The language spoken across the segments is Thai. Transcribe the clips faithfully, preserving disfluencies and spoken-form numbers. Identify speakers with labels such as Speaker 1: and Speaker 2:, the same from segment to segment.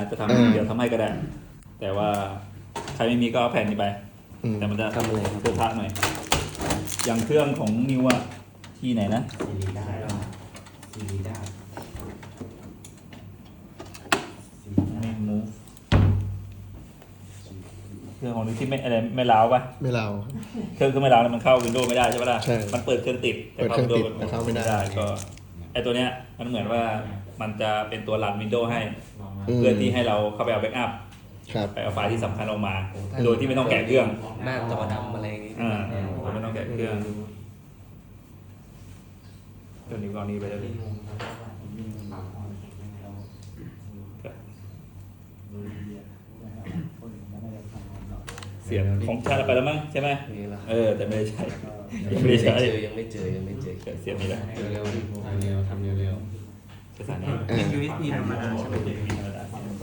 Speaker 1: จะทำเดี๋ยวทำให้ก็ได้แต่ว่าใครไม่มีก็เอาแผ่นนี้ไปแต่มันจะทำอะไรเพื่อพระหน่อยอย่างเครื่องของนิวอะที่ไหนนะซีรีได้ซีรีได้ไม่มูฟเครื่องของนิวที่ไม่อะไรไม่ล้าวปะ
Speaker 2: ไม่เรา
Speaker 1: เครื่องก็ไม่ล้าวแล้วมันเข้าวินโดว์ไม่ได้ใช่ปะล่ะ
Speaker 2: ใช่
Speaker 1: มันเปิดเครื่องติด
Speaker 2: เปิดเครื่องติดแต่เข้าไม่ได้
Speaker 1: ก็ไอตัวเนี้ยมันเหมือนว่ามันจะเป็นตัวรันวินโดว์ให้เพื่อที่ให้เราเข้าไปเอาแบ็กอัพไปเอาไฟล์ที่สำคัญออกมาโดยที่ไม่ต้องแกะเครื่อง
Speaker 3: หน้าจอดำอะไรอย่างงี้
Speaker 1: อ่าไม่ต้องแกะเครื่องตัวนี้ก็นี้ไปเลยเสียงของชาติไปแล้วมั้งใช่ไหมเออแต่ไม่ได้ใช้
Speaker 3: ยังไม่เจอยังไม่เจอยังไม่เจอ
Speaker 1: เสียงนี้แหละ
Speaker 3: เร็วๆทำเร็วทำเร็ว
Speaker 1: ๆภาษานี้
Speaker 4: เป็น ยู เอส บี ธรรมดาใช่ไหม
Speaker 1: ไป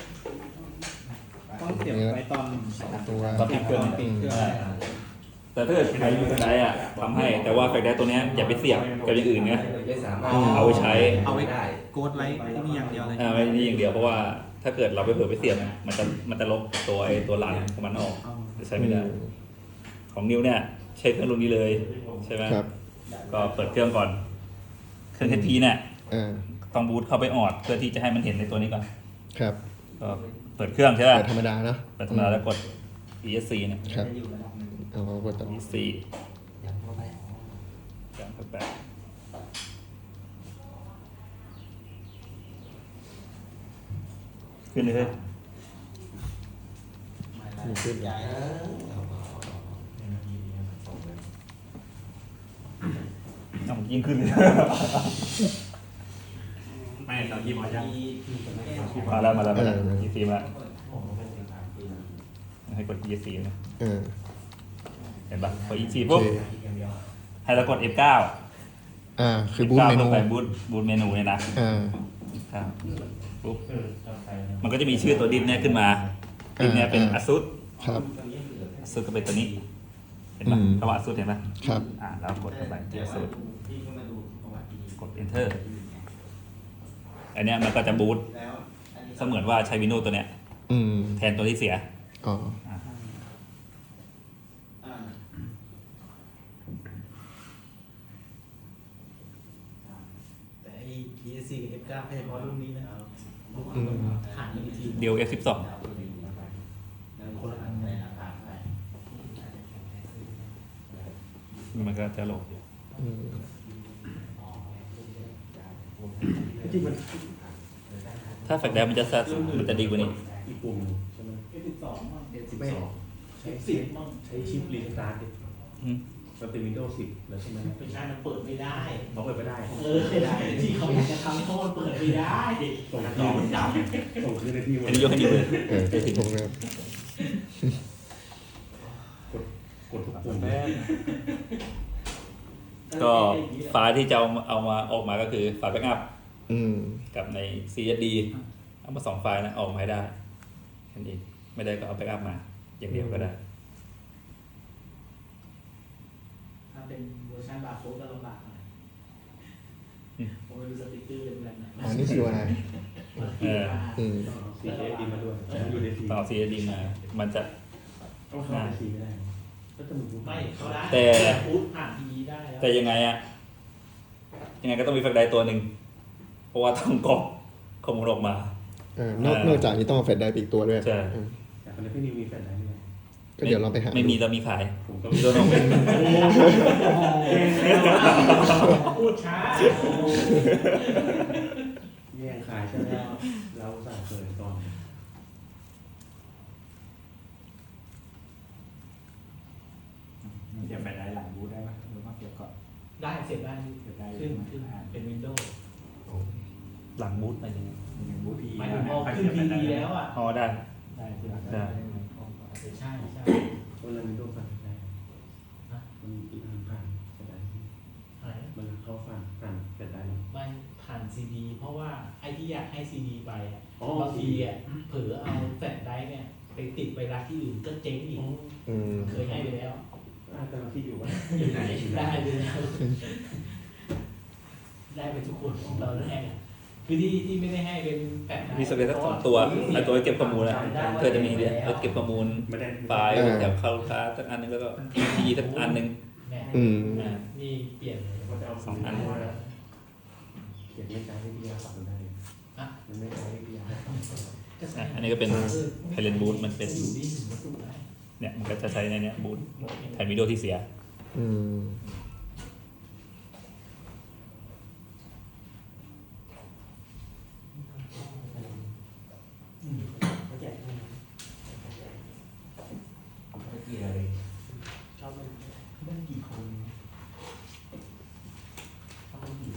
Speaker 4: ต้องเสียบไว้ตอน
Speaker 2: ตัว
Speaker 1: ตอนปิดเครื่องแต่ถ้าเกิดใครมีแฟลชไดรฟ์อะทำให้แต่ว่าแฟลชไดรฟ์ตัวนี้อย่าไปเสียบกับอย่างอื่นไง
Speaker 3: ไม่สามารถ
Speaker 1: เอาไว้ใช้
Speaker 4: เอาไว้ได้โกดไลท์นี่อย่างเดียวเลย
Speaker 1: อ่าไม่นี่อย่างเดียวเพราะว่าถ้าเกิดเราไปเผลอไปเสียบมันจะมันจะลบตัวไอ้ตัวหลังของมันออกจะใช้ไม่ได้ของนิวเนี่ยใช้เครื่องรุ่นนี้เลยใช่ไหม
Speaker 2: ครับ
Speaker 1: ก็เปิดเครื่องก่อนเครื่อง เอช พี เนี่ย
Speaker 2: อ่า
Speaker 1: ต้องบูตเข้าไปออดเพื่อที่จะให้มันเห็นในตัวนี้ก่อน
Speaker 2: ครับ
Speaker 1: ก็เปิดเครื่องใช่ไหม
Speaker 2: เปิดธรรมดาเนาะ
Speaker 1: เปิดธรรมดาแล้วกด อี เอส ซี เนี่ย
Speaker 2: ครับเอากดต่อ
Speaker 1: อี เอส ซี ยังเข้าไปยังเข้าไปขึ้นเลย
Speaker 2: ขึ้น
Speaker 1: เอายิ่งขึ้นเลยไม่ตอนยี่มายังมาแล้วมาแล้วมาแล้วยี่สี่มาให้กด อี เอส ซี นะเห็นปะกด อี เอส ซี ปุ๊บให้เรากด เอฟ เก้า
Speaker 2: อ่าคือบูทเมนู
Speaker 1: ไปบูทบูทเมนูเนี่ยนะ
Speaker 2: อ่า
Speaker 1: ครับปุ๊บมันก็จะมีชื่อตัวดินเนี่ยขึ้นมาดินเนี่ยเป็น ASUS
Speaker 2: ครับ
Speaker 1: ASUS ก็เป็นตัวนี้เห็นปะคำว่า ASUS เห็นปะ
Speaker 2: ครับ
Speaker 1: อ่าแล้วกดเข้าไป ASUS กด Enter อันเนี้ยมันก็จะบูทเสมือนว่าใช้ Windows ตัวเนี้ยแทนตัวที่เสีย
Speaker 2: อ๋อ
Speaker 4: แต่ไอ้ อี เอส ซี กับ เอฟ เก้า แค่เฉพาะรุ่นนี้นะผ่านอีกที
Speaker 1: เดียว เอฟ สิบสอง
Speaker 4: คนละอัน
Speaker 1: มันก็จะโหลดถ้าแฟลชไดรฟ์มันจะมันจะดีกว่านี้
Speaker 4: อีกปุ่มใช่ไหม เอฟ สิบสอง เอฟ สิบสอง เอฟ สิบมั่งใช้ชิปรีสตาร์ทดิมันเป็น Windows สิบแล้วใช่ไหมไม่ใช่มันเปิดไม่ได้เขาเปิดไม่ได้เออไม่ได้ที่เขาอยากจะทำให้เขาเปิดไม่ได้ส่งต่อมันดับส่งคืนในที่มัน
Speaker 1: อันนี้ยกให้ดีเลย
Speaker 2: เออถึงตรงนั้น
Speaker 4: กดกดทุกปุ่ม
Speaker 1: ก็ไฟล์ที่จะเอาเอามาออกมาก็คือไฟล์แบ็กอัพกับใน ซี เอส ดี เอามาสองไฟล์นะออกมาให้ได้แค่นี้ไม่ได้ก็เอาแบ็กอัพมาอย่างเดียวก็ได้
Speaker 4: ถ้าเป็นเวอร์ชันบาร์โค้ดก็ลำบากหน่อยผมไม่รู้สติ๊กเกอร์เป็นแบบไหน
Speaker 2: อ๋อนี่คืออะไร
Speaker 1: เออ
Speaker 4: ซี เอส ดี มาด้วยอยู่ในที
Speaker 1: ต่อ ซี เอส ดี มามันจะ
Speaker 4: ต้องเข้าทีไม่ได้ไม่เขาได้
Speaker 1: แต่
Speaker 4: พูดผ่านทีได้
Speaker 1: แต่ยังไงอะยังไงก็ต้องมีแฟลชไดรฟ์ตัวหนึ่งเพราะว่าต้องกรอกข้อมูลออกมา
Speaker 2: เออนอกนอกจากนี้ต้องเอาแฟลชไดรฟ์อีกตัวด้วย
Speaker 1: ใช่
Speaker 4: แต่คนนี้พี่นิวมีแฟลชไดรฟ์ไหม
Speaker 2: ก็เดี๋ยวเราไปหา
Speaker 1: ไม่มีเรามีขายผมก็มีตัวน้องเป็น
Speaker 4: พูดช้าแย่งขายใช่ไหมเราสั่งเปิดก่อน
Speaker 1: เสียบแฟลชไดรฟ์หลังบูทได้ไหมหรือว่าเสียบก่อน
Speaker 4: ได้เสียบได้เสียบได้ขึ้นขึ้นเป็นวินโดว์
Speaker 1: หลังบูทอะไรอย่างเงี้ย
Speaker 4: บูทอีไม่พอขึ้นทีดีแล้วอ่ะ
Speaker 1: อ๋อได้
Speaker 4: ได้ได้ใช่ใช่ตัวนั้นวินโดว์ฟังได้มันอีกอันผ่านก็ได้มันเข้าฟังผ่านก็ได้ไม่ผ่านซีดีเพราะว่าไอ้ที่อยากให้ซีดีไปบางทีอ่ะเผลอเอาแฟลชไดรฟ์เนี่ยไปติดไปรักที่อื่นก็เจ๊งอีกเคยให้ไปแล้วแต่เราคิดอยู่ว่าอยู่ไหนได้ไปแล้วได้ไปทุกคนตอนแรกคือที่ที่ไม่ได้ให้เป็นแผ่น
Speaker 1: มีสเปซสักสองตัวไอตัวเก็บข้อมูลนะเพื่อจะมีเนี่ยรถเก็บข้อมูลไฟล์แถวเข้าลูกค้าสักอันนึงแล้วก็ทีสักอันนึง
Speaker 2: อืม
Speaker 1: อ่า
Speaker 4: นี่เปลี่ยนเลย
Speaker 1: สองอัน
Speaker 3: เขียนไม่ใช้ให้พี่ยาขับมันได้มันไม่ใช้ให้พี่ยา
Speaker 1: อ่ะอันนี้ก็เป็นไพเลนบูทมันเป็น
Speaker 4: อยู่ที่หนึ่งวัตถุได้
Speaker 1: เนี่ยมันก็จะใช้ในเนี้ยบูทแทนวิดีโอที่เสีย
Speaker 2: อืม
Speaker 3: เกียร์เลย
Speaker 4: ชอบได้กี่คนชอบกี่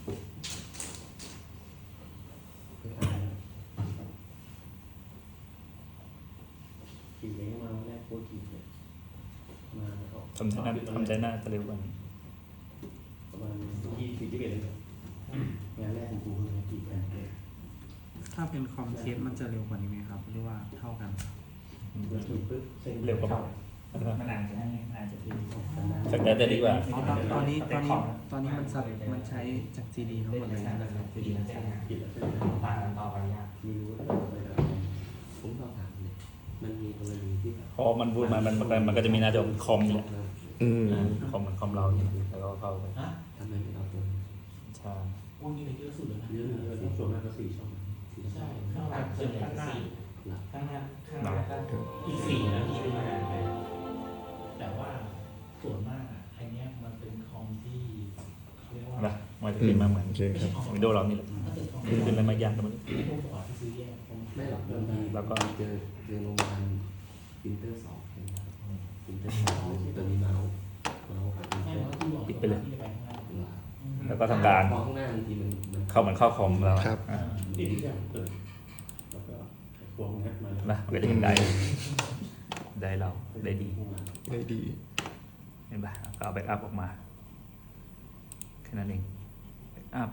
Speaker 3: ขี่เล้งมาแรกโคตรขี่เนี่ยมาแล้วก็
Speaker 1: ทำใจหน้าทำใจหน้าจะเร็วกว่านี้
Speaker 3: ประมาณที่สี่สิบเอ็ดเลยงานแรกของกูคือขี่แผ่นเลย
Speaker 5: ถ้าเป็นคอมเคสมันจะเร็วกว่านี้ไหมครับ หรือว่าเท่ากัน
Speaker 3: เมื่อขี่ปุ๊บเส้น
Speaker 1: เร็วกว่า
Speaker 4: มันอาจจะให้อาจจะเป็น
Speaker 1: สักแต่จะดีกว่า
Speaker 5: อ๋อตอนตอนนี้ตอนนี้ตอนนี้มันสับมันใช้จากซีดีทั้งหมดเลยนะครับซีดี
Speaker 3: ขี่แล้วเส้น
Speaker 4: ต่างกันต่อไปยาก
Speaker 3: ไม่รู้ว่าไปแล้วผมลองถามเลยมันมีกรณีที่
Speaker 1: พอมันบูทมามันมันมันก็จะมีหน้าจอคอมเนี่ย
Speaker 2: อืม
Speaker 1: คอมเหมือนคอมเราเนี่ยแล้วก็เข้าไป
Speaker 4: ฮะ
Speaker 3: ทำไมไม่เอาตัว
Speaker 1: ใช่
Speaker 4: พวกนี้เลยเยอะสุดเลยนะ
Speaker 3: เยอะเลยที่ส่วนมากก็สี่ช่องสี่ช่
Speaker 4: ใช่
Speaker 3: อง
Speaker 4: ข้างหลังส่วนใหญ่ข้างหน้า
Speaker 3: หลัก
Speaker 4: ข้างหน้าข้างหน้าก็อีกสี่นะที่เป็นมานานเลยแต่ว่าส่วนมากอ่ะไอเนี้ยมันเป็นคอมที่เขาเรียกว่า
Speaker 1: นะมันจะขึ้นมาเหมือน
Speaker 2: โอเคครับ
Speaker 1: วิดีโอเรานี่แหละ
Speaker 4: ถ้าเกิดคอม
Speaker 1: ขึ้นขึ้นแล้วมายากกันมัน
Speaker 4: ไม่พวกตัวที่ซื้อแยก
Speaker 3: ไม่หรอกบางทีแล้วก็เจอเจอโรงพยาบาลปรินเตอร์สองปรินเตอร์สองตัวนี้เมาส์เมาส์กับปริน
Speaker 4: ใช่
Speaker 3: เตอร์
Speaker 4: เพราะที่บอกที่จะไปข้างหน้า
Speaker 1: แล้วก็ทำการ
Speaker 3: มองข้างหน้าบางทีมันมัน
Speaker 1: เข้าเหมือนเข้าคอมเรา
Speaker 2: ครับ
Speaker 1: อ่า
Speaker 3: ติดที่อย่างเปิดแล้วก็พวงงัดมา
Speaker 1: นะมันก็จะเห็นได้ได้เราได้ดี
Speaker 2: ได้ดี
Speaker 1: เห็นปะก็เอาแบ็กอัพออกมาแค่นั้นเองแบ็กอัพ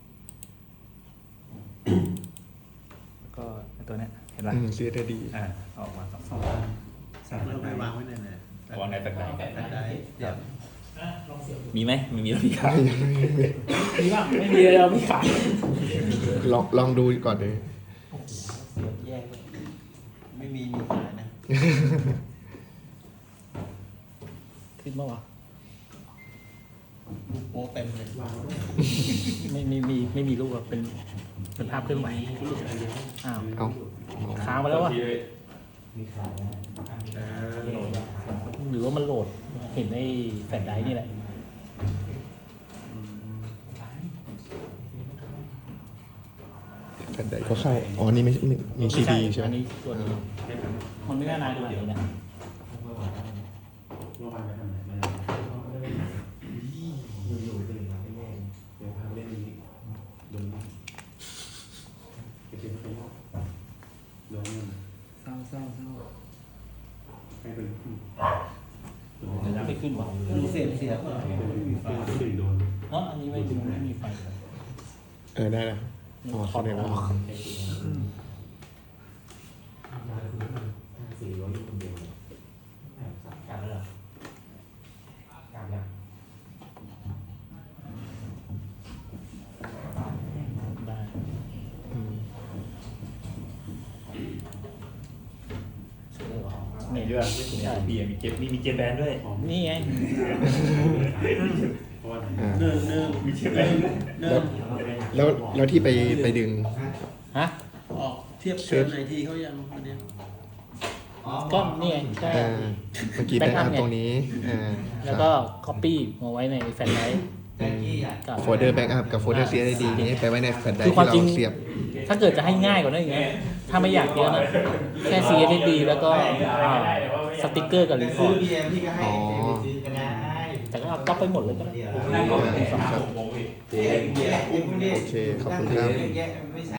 Speaker 1: แล้วก็ไอ้ตัวเนี้ยเห็นปะ
Speaker 2: อืมซีได้ดี
Speaker 1: อ่าออกมาสองสอง
Speaker 5: เราไปวางไว้ในไหน
Speaker 1: วางในแบ็กได
Speaker 4: แปะได้เดี๋ยวอ่ะลองเสียบดู
Speaker 1: มีไหมไม่มีแล้วมีขาย
Speaker 4: มีป่ะไม่มีเลยเราไม่ขาย
Speaker 2: ลองลองดูก่อนเลย
Speaker 5: เสียบแยกเลยไม่มีมีขายนะ
Speaker 4: ขึ้นมาวะ
Speaker 5: โอ้เต็มเลย
Speaker 4: ไม่ไม่มีไม่มีรูปอะเป็นเป็นภาพเคลื่อนไหวอ้าว
Speaker 2: เอา
Speaker 4: ค้างไปแล้ววะ
Speaker 3: มีขายนะ
Speaker 4: หรือว่ามันโหลดเห็นในแฟลชไดรฟ์นี่แหละ
Speaker 2: แผ่นใดก็เข้า อ๋อ นี่ไม่ไม่มีซีดีใช่ไหม
Speaker 4: อันนี้ส่วนนี้มันไม่น่านานดูไหนนะ
Speaker 3: เมื่อวานไปทำไหนมาอยู่ๆตื่นมาไม่แน่เดี๋ยวพาไปเล่นนี้โดนไปเจอเขาโดนเงิน
Speaker 5: เศร้าเศร้าเศร้า
Speaker 3: ให้เป็น
Speaker 4: ไม่ขึ้นหรอ
Speaker 5: ดูเสียบเสียบ
Speaker 3: ตื่นโดน
Speaker 4: เนาะอันนี้ไม่ถึงไม่มีไฟ
Speaker 2: เออ ได้แล้ว อ๋อ
Speaker 4: ถอ
Speaker 2: เข้า
Speaker 4: ด
Speaker 2: ได้
Speaker 4: อ
Speaker 2: แล้ว
Speaker 4: อก
Speaker 3: สี่ร้อยอยู่คนเดียวกลับแล้วเหรอกลับแล้ว
Speaker 4: ได้
Speaker 2: อืม
Speaker 1: นี่ด้วยนี่มีมีเก็บมีมีเก็บแบนด้วย
Speaker 4: นี่ไง
Speaker 3: เพราะว่า
Speaker 2: อ่า
Speaker 5: เนิ่งเนิ่ง
Speaker 1: มีเก็บแบน
Speaker 2: แล้วแล้วแล้วที่ไปไปดึง
Speaker 4: ฮะ
Speaker 5: ออกเทียบเชิญไอทีเขายังวันนี้
Speaker 4: ก็นี่ไงก็
Speaker 2: อ่า เมื่อกี้แบ็กอัพตรงนี้ อ่า
Speaker 4: แล้วก็ copy มาไว้ในแฟลชไดรฟ์กับ
Speaker 2: โฟลเดอร์แบ็กอัพกับโฟลเดอร์ซีดีนี้ไปไว้ในแผ่นใด
Speaker 4: คือควา
Speaker 2: ที่
Speaker 4: มจริ
Speaker 2: เรา
Speaker 4: ง
Speaker 2: เสียบ
Speaker 4: ถ้าเกิดจะให้ง่ายกว่านั้นอย่างเงี้ยถ้าไม่อยากเยอะนะ แค่ ซี เอส ดี แล้วก็อ่าสติ๊กเกอร์กับรีพอร์ต
Speaker 2: อ๋อ
Speaker 4: แต่ก็เอาก๊อปไปหมดเลยก็ได้
Speaker 2: โอเค ขอบคุณครับ